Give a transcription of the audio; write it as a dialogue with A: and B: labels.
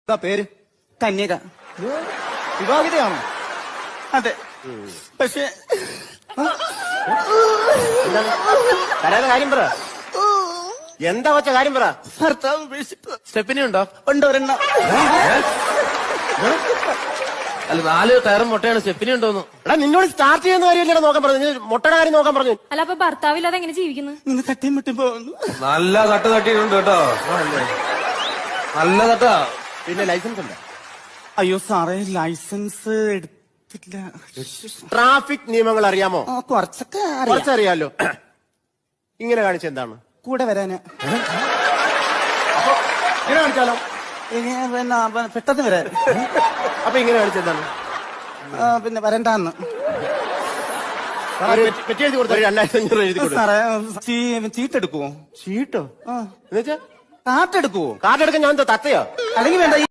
A: എന്താ പേര്?
B: കന്യക.
A: വിവാഹിതയാണോ?
B: അതെ. പക്ഷെ
C: കരയാതെ കാര്യം പറ. എന്താ വച്ച കാര്യം പറ.
B: ഭർത്താവ് ഉപേക്ഷിച്ചു.
C: സ്റ്റെപ്പിനി ഉണ്ടോ?
B: ഉണ്ട് ഒരെണ്ണം.
C: അല്ല 4 ടയറും മുട്ടയാണ്. സ്റ്റെപ്പിനി ഉണ്ടോന്ന്. എടാ നിന്നോട് സ്റ്റാർട്ട് ചെയ്യുന്ന കാര്യമല്ലേ നോക്കാൻ പറഞ്ഞു. മുട്ടയുടെ കാര്യം നോക്കാൻ പറഞ്ഞു.
D: അല്ല അപ്പൊ ഭർത്താവില്ലാതെ എങ്ങനെ ജീവിക്കുന്നു?
B: നിന്ന് തട്ടിയും മുട്ടും പോകുന്നു.
E: നല്ല തട്ട് തട്ടിയിട്ടുണ്ട് കേട്ടോ. നല്ല തട്ടാ.
C: പിന്നെ ലൈസൻസ് ഉണ്ട്?
B: അയ്യോ സാറേ, ലൈസൻസ് എടുത്തില്ല.
C: ട്രാഫിക് നിയമങ്ങൾ അറിയാമോ?
B: കുറച്ചൊക്കെ അറിയാം.
C: കുറച്ചറിയാലോ. ഇങ്ങനെ കാണിച്ച എന്താണ്?
B: കൂടെ വരാന്.
C: ഇങ്ങനെ കാണിച്ചാലോ?
B: പിന്നെ പെട്ടെന്ന് വരാൻ.
C: അപ്പൊ ഇങ്ങനെ കാണിച്ച എന്താണ്?
B: പിന്നെ വരണ്ടാന്ന്.
C: പെറ്റി എഴുതി കൊടുത്ത 2500 എഴുതി കൊടുത്തു.
B: സാറേ ചീട്ടെടുക്കുവോ?
C: ചീട്ടോ?
B: ആ,
C: എന്നുവെച്ചാ
B: കാട്ടെടുക്കുവോ?
C: കാർഡ് എടുക്കാൻ ഞാൻ എന്താ തത്തയോ?
B: അല്ലെങ്കിൽ വേണ്ട.